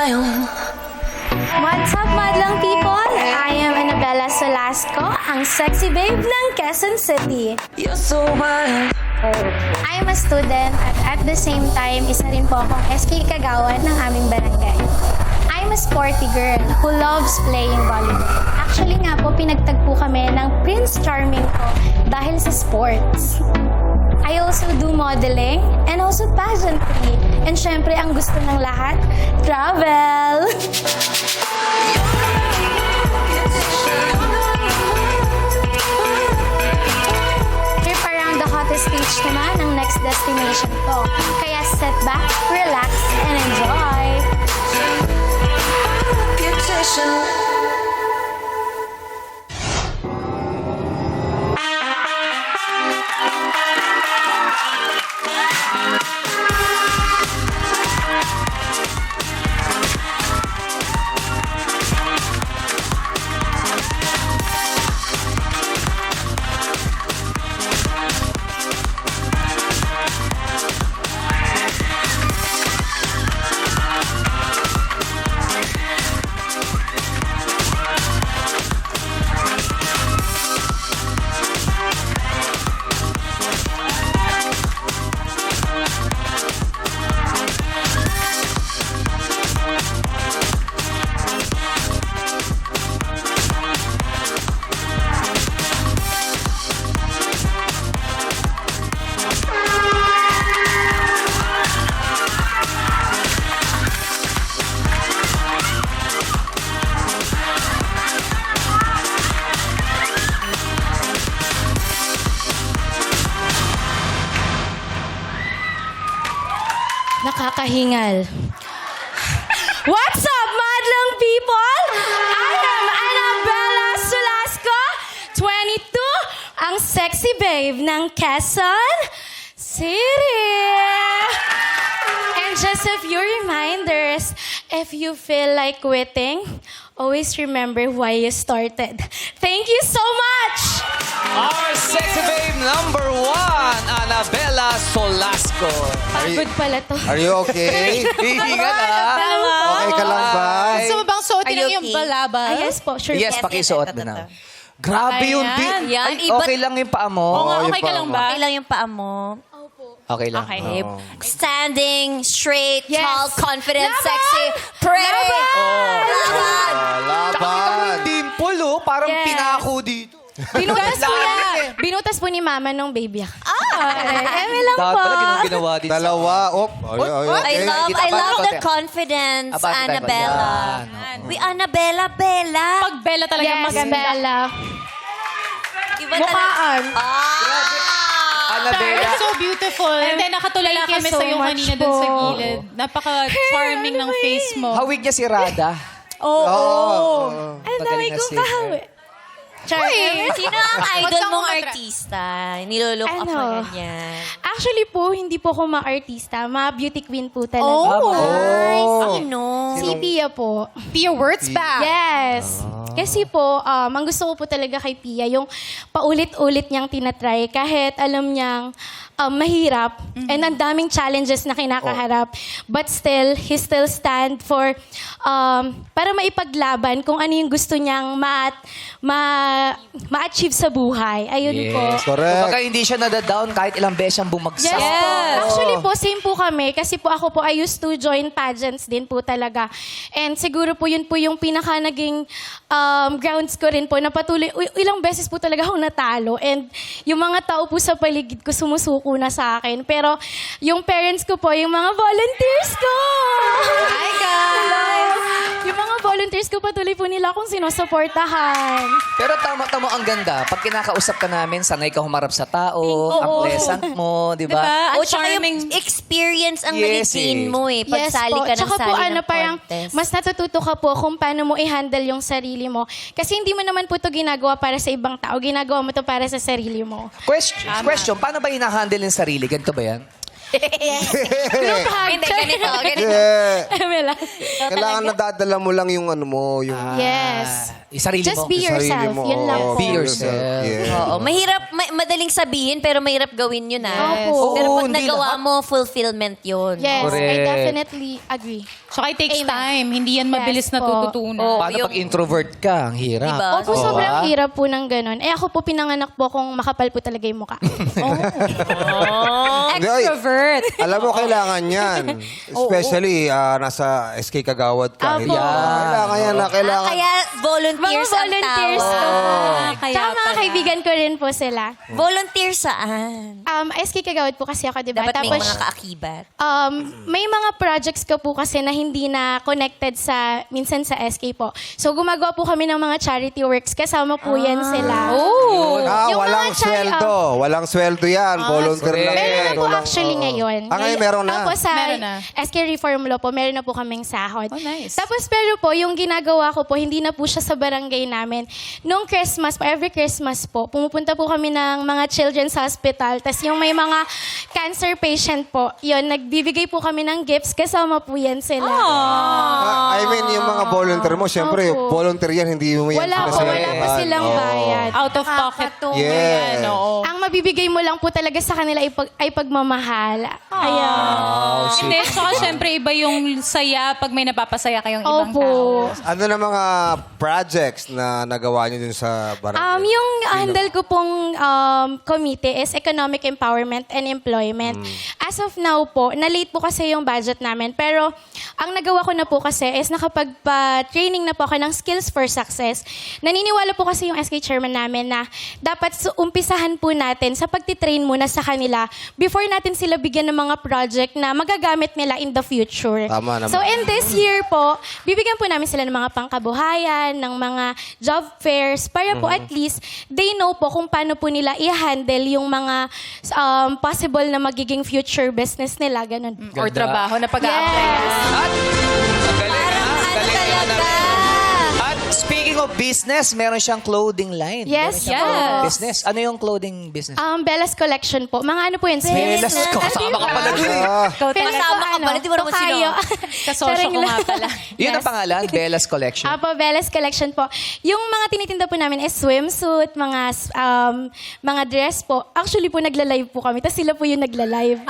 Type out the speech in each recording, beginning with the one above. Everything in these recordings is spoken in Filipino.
smile. What's up, madlang people? I am Annabella Solasco, ang sexy babe ng Quezon City. You're so wild. I am a student at the same time, isa rin po akong SK Kagawan ng aming barangay. I'm a sporty girl who loves playing volleyball. Actually nga po, pinagtagpo kami ng Prince Charming ko dahil sa sports. I also do modeling and also pageantry. And syempre, ang gusto ng lahat, travel! Trip around the hottest beach naman ang next destination ko. Kaya sit back, relax, and enjoy! Reputation. Nakakahingal. What's up, madlang people? I am Annabella Solasco, 22, ang sexy babe ng Quezon City. And just a few reminders, if you feel like quitting, always remember why you started. Thank you so much! Our sexy babe number 1, Annabella Solasco. Pagod pala to. Are you okay? Ingat ha. Okay ka lang ba? Gusto mo bang suotin Are you lang yung okay? balaba? Ah, yes po, sure. Yes, pakisuot mo na. Grabe yun. Ayan. Di, Yan, ay, iba't- okay lang yung paa mo. Oo nga, yung okay ka paa lang mo. ba? Okay lang yung paa mo. Okay lang. Okay. Okay. Standing, straight, Yes. tall, confident, Laban! sexy, pretty. Oh. Laban! Laban! Dimple, oh. Parang Yes. pinako dito. Binutas po Laban niya. eh. Binutas po ni mama nung baby ako. Eme lang Dapat po. pala ginang ginawa dito. Dalawa. Op. I love Kita pa the konti. confidence, Abante tayo. Annabella. Yan, We Annabella, Bella. Pag Bella talaga Yes, maganda. Bella. Iba Mukhaan. Annabella. You're so beautiful. And then nakatulala Thank you kami so sa'yo much kanina dun po. sa gilid. Napaka-charming ng face mo. Hawig niya si Rada. Oo. Ay, Magaling dami na kong singer. kahawi. Char. Sino ang idol What's mong ang artista? Nilolook up Ano? mo ganyan. Actually po, hindi po ako ma-artista. Ma-beauty queen po talaga. Oh, Nice. Sino? Si Pia po. Pia words back. Yes. Kasi po, ang gusto ko po talaga kay Pia, yung paulit-ulit niyang tinatry kahit alam niyang mahirap and ang daming challenges na kinakaharap. But still, he still stand for, para maipaglaban kung ano yung gusto niyang ma-achieve sa buhay. Ayun po. Correct. Baka hindi siya nadadown kahit ilang beses siyang bumagsak. Yes. Yes. Actually po, same po kami. Kasi po ako po, I used to join pageants din po talaga. And siguro po yun po yung pinaka naging grounds ko rin po na patuloy, ilang beses po talaga ako natalo. And yung mga tao po sa paligid ko sumusuko na sa akin. Pero yung parents ko po, yung mga volunteers ko. Hi, guys! Yung mga volunteers ko patuloy po nila akong sinusuportahan. Pero tama-tama ang ganda. Pag kinakausap ka namin, sanay ka humarap sa tao, ang pleasant mo, di ba? Diba? O, Ang tsaka yung charming. experience ang Yes, nag-gain eh. mo eh. Pagsali ka ng Tsaka po, sali ng parang contest. mas natututo ka po kung paano mo i-handle yung sarili mo. Kasi hindi mo naman po ito ginagawa para sa ibang tao. Ginagawa mo to para sa sarili mo. Question, paano ba hinahandle yung sarili? Ganito ba yan? Group hug. Hindi, ganito. Yeah. Mela. Kailangan nadadala mo lang yung ano mo, yung Yes. Sarili Just mo. be sarili yourself. mo. Yun lang Oo, po. Be yourself. Yeah. Oo, mahirap, madaling sabihin, pero mahirap gawin yun, Opo. Pero Oo, pag hindi nagawa lahat. mo, fulfillment yun. Yes, I Correct. definitely agree. Tsaka it takes Amen. time. Hindi yan mabilis Yes na po. tututunan. Oo. Paano yung- pag introvert ka? Ang hirap. Diba? Opo, Oo. sobrang hirap po ng ganun. Eh ako po pinanganak po kung makapal po talaga yung mukha. Hindi, ay, Extrovert. alam mo, kailangan yan. Especially, nasa SK Kagawad ka. Apo. Kailangan yan na kailangan. Kaya volunteers, Mga volunteers ang po. tawag. Kaya Tsaka mga pala. kaibigan ko rin po sila. Volunteer saan? SK Kagawad po kasi ako, di ba? Dapat may mga kaakibat. May mga projects ko po kasi na hindi na connected sa, minsan sa SK po. So, gumagawa po kami ng mga charity works. Kasama po yan sila. Oh. Yung Walang mga chari- sweldo. Walang sweldo yan. Volunteer lang correct. yan. Meron na po Walang- actually oo. ngayon. Ngayon meron na. Opo, sa Meron na. SK Reform Law po, meron na po kaming sahod. Oh, nice. Tapos pero po, yung ginagawa ko po, hindi na po siya sa barangay namin. Nung Christmas po, every Christmas po, pumupunta po kami ng mga children's hospital. Tapos yung may mga cancer patient po, yun, nagbibigay po kami ng gifts. Kasama po yan sila. I mean, yung mga volunteer mo, syempre, Opo. volunteer yan, hindi mo yan Wala po, wala po silang bayad. Out of pocket. Yes. Yan, oo. Ang mabibigay mo lang po talaga sa kanila ay pagmamahal. Ayan. Hindi, tsaka syempre iba yung saya pag may napapasaya kayong ibang Opo. tao. Ano na mga projects na nagawa niyo dun sa barangay? Yung handle ko pong committee is Economic Empowerment and Employment. As of now po, na-late po kasi yung budget namin. Pero ang nagawa ko na po kasi is nakapagpa-training na po ako ng Skills for Success. Naniniwala po kasi yung SK chairman namin na dapat umpisahan po natin sa pagtitrain muna sa kanila before natin sila bigyan ng mga project na magagamit nila in the future. Tama naman. So in this year po, bibigyan po namin sila ng mga pangkabuhayan, ng mga job fairs, para po at least they know po kung paano po nila i-handle yung mga possible na magiging future business nila, ganun. Or trabaho na pag-a-apply. Yes. At, ang galing ha? Ang galing naman namin. At speaking of business, meron siyang clothing line. Yes, Meron siyang clothing yes. business. Ano yung clothing business? Bella's Collection po. Mga ano po yun? Bella's Sweets. kasama ka pala dun eh. Kasama ka pala, di mo naman Tokayo. Kasosyo ko nga pala. Yun ang pangalan, Bella's Collection. Apo, Bella's Collection po. Yung mga tinitinda po namin is swimsuit, mga dress po. Actually po, nagla-live po kami. Tapos sila po yung nagla-live.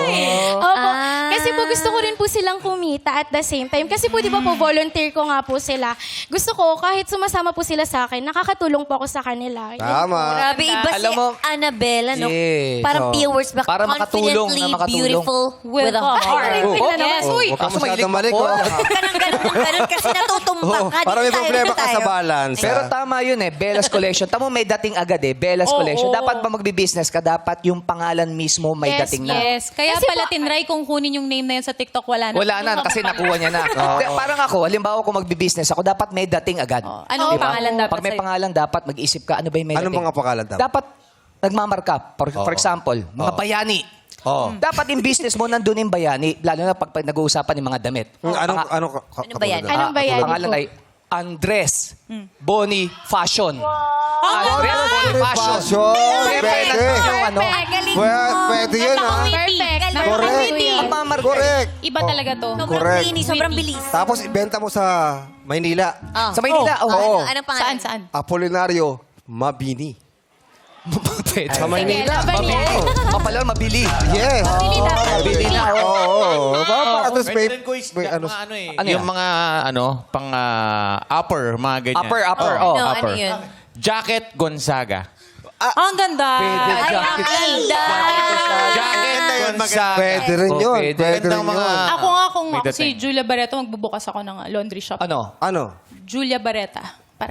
Opo. Kasi po gusto ko rin po silang kumita at the same time. Kasi po di ba po, volunteer ko nga po sila. Gusto ko, kahit sumasama po sila sa akin, nakakatulong po ako sa kanila. Yun. Tama. Grabe, iba Alam si mo, Annabelle, ano? yes. Parang Oo. few words back. Para makatulong Confidently na makatulong. beautiful with a heart. Yes. Uy. Huwag ka Kaso masyadong mahilig malikot. Huwag ka nang ganun kasi natutumba ka. Para may Dito tayo, problema dito ka sa tayo. balance. Pero tama yun eh, Bella's Collection. Tamo may dating agad eh, Bella's Oo, Collection. oo. Dapat ba magbi-business ka, dapat yung pangalan mismo may Yes, dating na. Yes. Kaya Kasi pala po- tinry kung kunin yung name na yun sa TikTok, wala na. Wala na, kasi nakuha niya na. Parang ako, halimbawa kung magbi-business ako, dapat may dating agad. Anong Diba? pangalan dapat Pag may sa'yo? pangalan, dapat mag-isip ka, ano ba yung may Anong dating? mga pangalan dapat? Dapat nagmamarka. For example, mga bayani. Oo. Dapat yung business mo, nandun yung bayani. Lalo na pag nag-uusapan ng mga damit. Anong Ano ba yan? Anong bayani Pangalan po? ay Andres Boni Fashion. Andres Boni Fashion. Siyempre, Pwede. nandun yung ano. Galing Pwede yun, ha? Perfect. Correct. Magmamarka. Correct. Iba talaga to. Sobrang Correct. linis, sobrang bilis. Tapos ibenta mo sa Maynila. Sa Maynila, oo. Anong pangalan? Saan? Apolinario Mabini. Pwede. Sa Maynila. Laban yan. Mapala, mabili. Yes. Mabili na. Oo. Tapos Pwede rin ko is, may ano. mga ano eh. Ano yung yan? mga pang upper, mga ganyan. Upper, Oh, oh. Ano upper. yun? Jacket Gonzaga. Ang ganda. Ay, ang ganda. Jacket Gonzaga. Pwede rin yun. pwede. Pwede rin Gandang mga- yun. Ako nga kung May ako si dating. Julia Barreto, magbubukas ako ng laundry shop. Ano? Ano? Julia Barreta. Para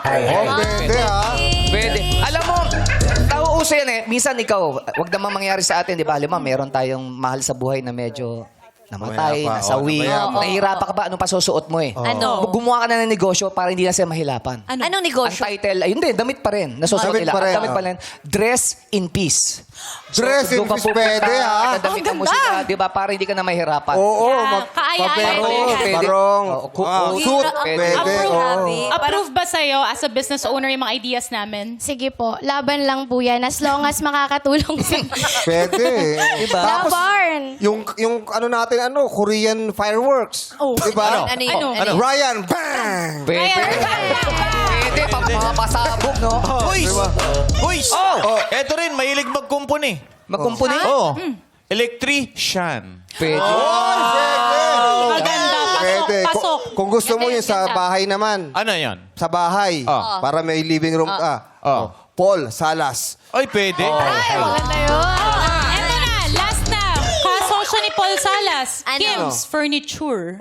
Pwede, ha? Pwede. Alam mo, tao uso yan eh. Minsan ikaw, wag naman mangyari sa atin, di ba? Alam mo, meron tayong mahal sa buhay na medyo namatay, Namayapa, nasawi. namayapa. Nahihirapan ka ba? Anong pasusuot mo eh? Ano? Gumawa ka na ng negosyo para hindi na sila mahilapan. Anong Ang negosyo? title, ayun din, damit pa rin. Nasusuot Damit nila. pa rin, Ang damit oh. pa rin. Dress in peace. Dress in doon ka peace, pupunta, pwede, ha? dadamitan mo sila, di ba? Para hindi ka na mahirapan. Oo. kaaya-aya Mabarong. pwede. Barong. Oo, Suit. pwede. Pwede. Grabe. Oo. approve ba sa'yo as a business owner yung mga ideas namin? Sige po, laban lang po yan. As long as makakatulong sa... Pwede. Diba? Labar. Darren. Yung ano natin, Korean fireworks. Oh. Diba? Ano yun? Oh. Ano yun? Ryan, bang! Pwede. Pwede, mga pasabog, no? Boys! Diba? Boys! Oh. Eto rin, mahilig magkumpuni. Magkumpuni? Oh. Electrician. Pwede. Maganda. Pwede. Pasok. Kung gusto mo yun sa bahay naman. Ano yan? Sa bahay. Para may living room ka. Oh. Paul Salas. Ay, pwede. Maganda yun. Eto na, last na. Kasosyo ni Paul Salas. Ano? Kim's Furniture.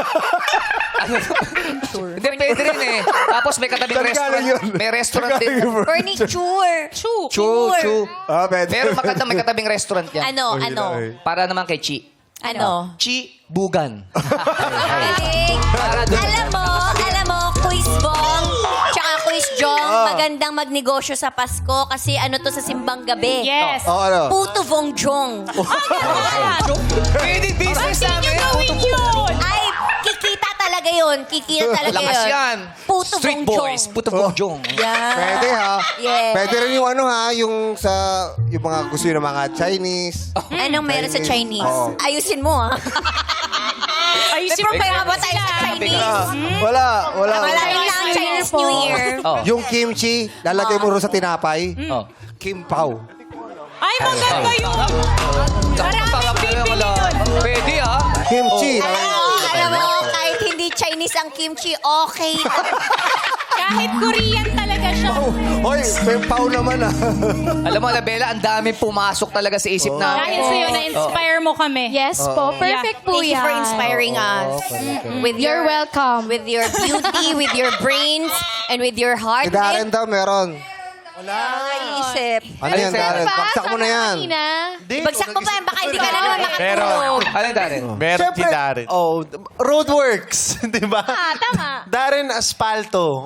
Hindi, pwede rin eh. Tapos may katabing Saan restaurant. galing yun? May restaurant din. Furniture. Chu. Pwede. Pero maganda may katabing restaurant yan. Ano? Para naman kay Chi. Ano? Chi Bugan. Galing. Alam mo, Quiz Bong, tsaka Quiz Jong, magandang magnegosyo sa Pasko kasi ano to sa simbang gabi. Yes. Ano? Puto Vong Jong. Pwede business namin. Ay, kikita talaga yun. Kikita talaga Lakas yun. yan. Puto Street Vong boys. Jong. Puto Bongjong. Yeah. Pwede ha. Yeah. Pwede rin yung yung mga gusto yun ng mga Chinese. Anong meron sa Chinese? Oo. Ayusin mo, ha? May problema ba tayo sa Chinese? Wala. Malapit na ang Chinese New Year. Oh. Yung kimchi, lalagay mo rin sa tinapay. Oh. Kim Pao. Ay, maganda yun. Sarap na yung Pwede ah. Kimchi. Alam mo, kahit hindi Chinese ang kimchi, okay. Kahit Korean talaga siya. Hoy, Kim Pao naman ah. Alam mo, Bella, ang dami pumasok talaga sa isip namin. Dahil sa'yo, na-inspire mo kami. Yes po. Perfect po Thank you yan. for inspiring us. With You're welcome. With your beauty, with your brains, and with your heart. Si Darren daw meron. Naisip. Ano yan, Darren? Baksak mo na yan. Bagsak mo pa yan, baka hindi ka na naman makatulog. Ano Darren? Meron si Darren. Roadworks, di ba? Tama. Darren Asfalto.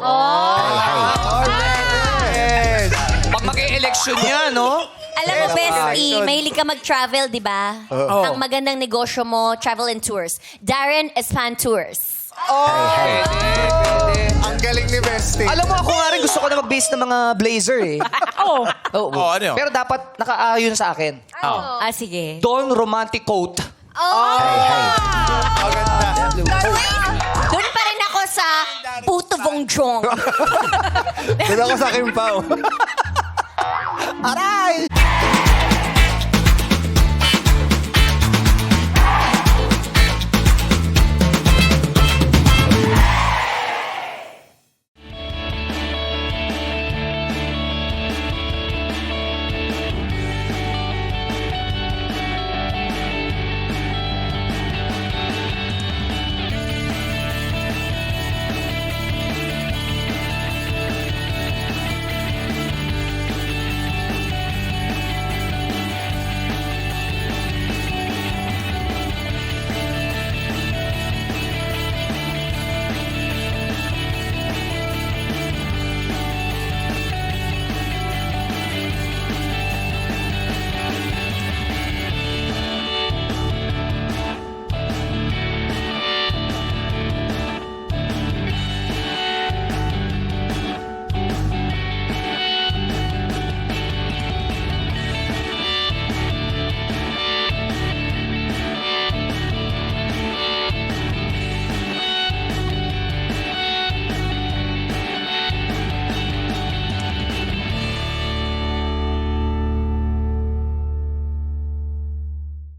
Pag mag-e-election yan, no? Alam mo, Bestie, mahilig ka mag-travel, di ba? Ang magandang negosyo mo, travel and tours. Darren Espan Tours. Pwede. Ang galing ni Bestie. Alam mo, ako nga rin gusto ko na mag-base ng mga blazer eh. Oh. Oo. Oh, ano yun? Pero dapat nakaayon sa akin. Ah, sige. Don Romantic Coat. Doon pa rin ako sa Puto Vong Jong. Doon ako sa Kim Pao. Aray!